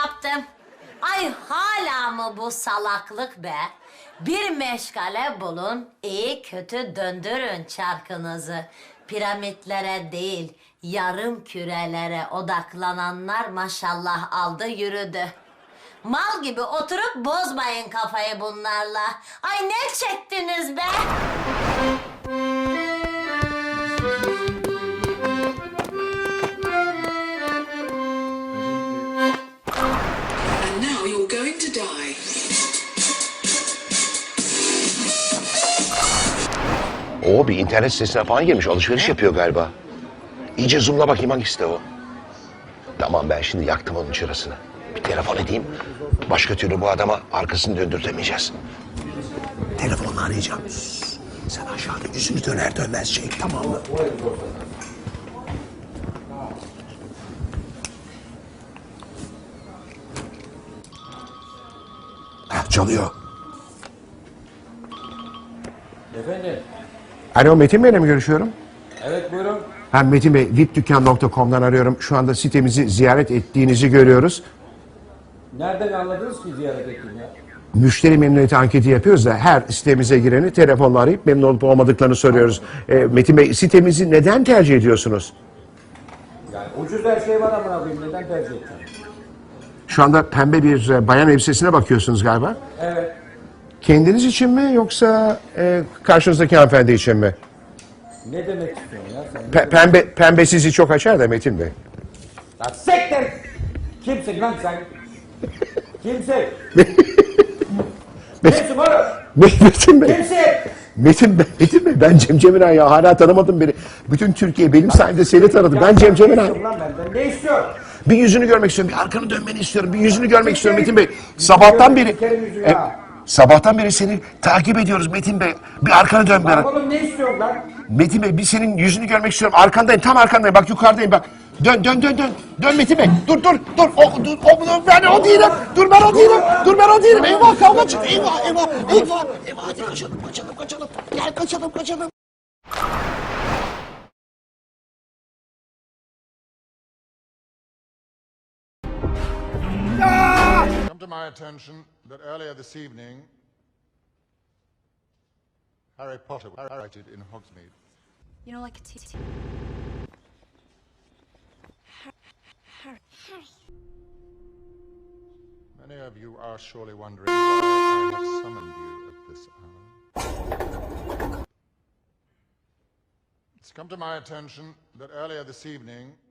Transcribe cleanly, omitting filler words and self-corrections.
yaptım. Ay hala mı bu salaklık be? Bir meşgale bulun, iyi kötü döndürün çarkınızı. Piramitlere değil, yarım kürelere odaklananlar maşallah aldı yürüdü. Mal gibi oturup bozmayın kafayı bunlarla. Ay ne çektiniz be? And now you're going to die. O bir internet sitesine falan girmiş. Alışveriş yapıyor galiba. İyice zoomla bakayım hangisi de o. Tamam ben şimdi yaktım onun çırasını. Bir telefon edeyim. Başka türlü bu adama arkasını döndürtemeyeceğiz. Telefonla arayacağım. Sen aşağıda yüzünü döner dönmez çek, tamam mı? Heh, çalıyor. Efendim? Alo, Metin Bey'le mi görüşüyorum? Evet buyurun. Ben Metin Bey, vipdükkan.com'dan arıyorum. Şu anda sitemizi ziyaret ettiğinizi görüyoruz. Nereden anladınız ki ziyaret ettim ya? Müşteri memnuniyeti anketi yapıyoruz da her sitemize gireni telefonla arayıp memnun olup olmadıklarını soruyoruz. Metin Bey, sitemizi neden tercih ediyorsunuz? Yani ucuz her şey var ama abim neden tercih edeceğim? Şu anda pembe bir bayan elbisesine bakıyorsunuz galiba. Evet. Kendiniz için mi yoksa karşınızdaki hanımefendi için mi? Ne demek istiyorsun ya sen? Pembe sizi çok açar da Metin Bey. Lan siktir! Kimsin lan sen? Kimsin? Kimsin oğlum? Metin Bey. Kimsin? Metin Bey, ben Cem Cemiran ya, hala tanımadım beni. Bütün Türkiye benim sayemde seni tanıdı. Ben Cem Ne Cemiran. istiyorsun lan benden? Ne istiyorsun? Bir yüzünü görmek istiyorum, bir arkanı dönmeni istiyorum, bir yüzünü görmek istiyorum Metin Bey. Sabahtan beri, sabahtan beri seni takip ediyoruz Metin Bey. Bir arkanı dön bana. Oğlum ne istiyorsun lan? Metin Bey, bir senin yüzünü görmek istiyorum. Arkandayım, tam arkandayım. Bak yukarıdayım bak. Dön. Dön Metin Bey. Dur. Ben o değilim. Dur ben o değilim. Eyvah, kavga çıktı. Eyvah. Hadi kaçalım. Gel kaçalım. Come to my attention that earlier this evening, Harry Potter was sighted in Hogsmeade. You know, like a t- Harry. Many of you are surely wondering why I have summoned you at this hour. It's come to my attention that earlier this evening,